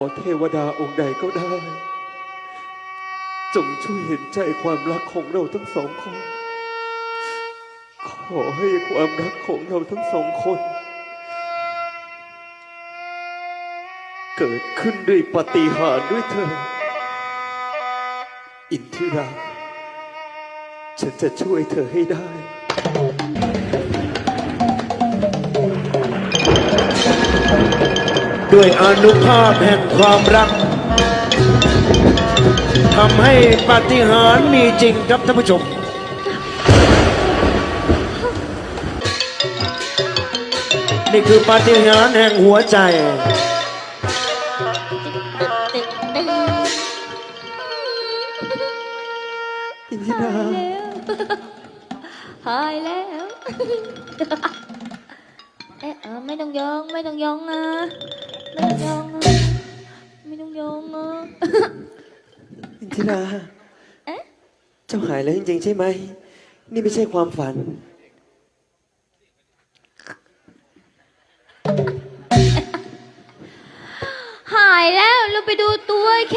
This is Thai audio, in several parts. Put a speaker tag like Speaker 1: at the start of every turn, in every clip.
Speaker 1: ขอเทวดาองค์ใดก็ได้จงช่วยเห็นใจความรักของเราทั้งสองคนขอให้ความรักของเราทั้งสองคนเกิดขึ้นด้วยปาฏิหาริย์ด้วยเธออินทิราฉันจะช่วยเธอให้ได้
Speaker 2: ด้วยอานุภาพแห่งความรักทำให้ปาฏิหาริย์มีจริงครับท่านผู้ชมนี่คือปาฏิหาริย์แห่งหัวใจ
Speaker 1: อินทิรา
Speaker 3: หายแล้วเอ๊ะไม่ต้องยองไม่ต้องยองนะไม่ต้องยองนะไม่ต้องยองนะ
Speaker 1: อินทิราเจ้าหายแล้วจริงๆใช่ไหมนี่ไม่ใช่ความฝัน
Speaker 3: หายแล้วเราไปดูตัวแค่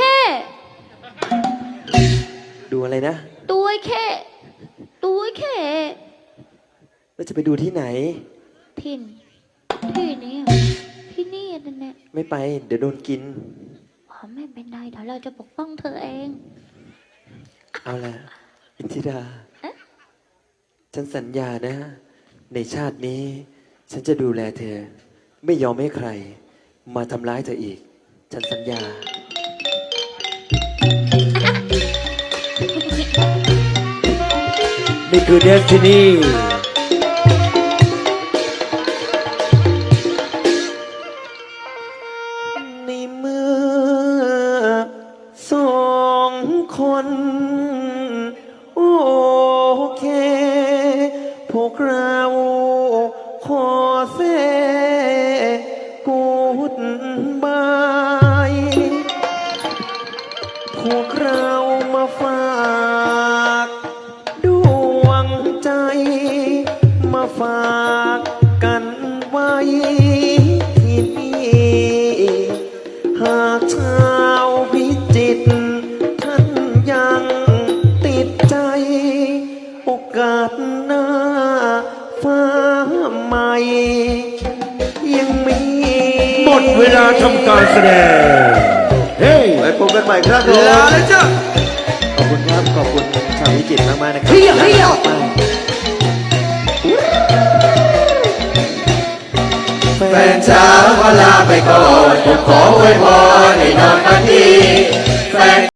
Speaker 1: ดูอะไรนะ
Speaker 3: ตัวแค่ตัวแค่
Speaker 1: แล้วจะไปดูที่ไหน
Speaker 3: ที่นี่ที่นี่นั่นแหละ
Speaker 1: ไม่ไปเดี๋ยวโดนกิน
Speaker 3: ไม่เป็นไรเดี๋ยวเราจะปกป้องเธอเอง
Speaker 1: เอาล่ะอินทิราฉันสัญญานะในชาตินี้ฉันจะดูแลเธอไม่ยอมให้ใครมาทำร้ายเธออีกฉันสัญญา
Speaker 2: นี่คือเดสตินี
Speaker 1: ในเมื่อสองคนโอเคพวกเราขอเซกูดบายพวกเรามาฝากดวงใจมาฝากกันไว้ที่นี่หากชาวพิจิตรท่านยังติดใจโอกาสหน้าฟ้าใหม่ยังมี
Speaker 2: หมดเวลาทำการแสดงเฮ้ย
Speaker 1: ไว้พบกันใหม่ครับผมลาแล้วจ้ะขอบคุณครับขอบคุณชาวพิจิตรมากๆนะครับ
Speaker 2: เฮีย
Speaker 4: แฟนเช้าก็ลาไปก่อนผมขออวยพร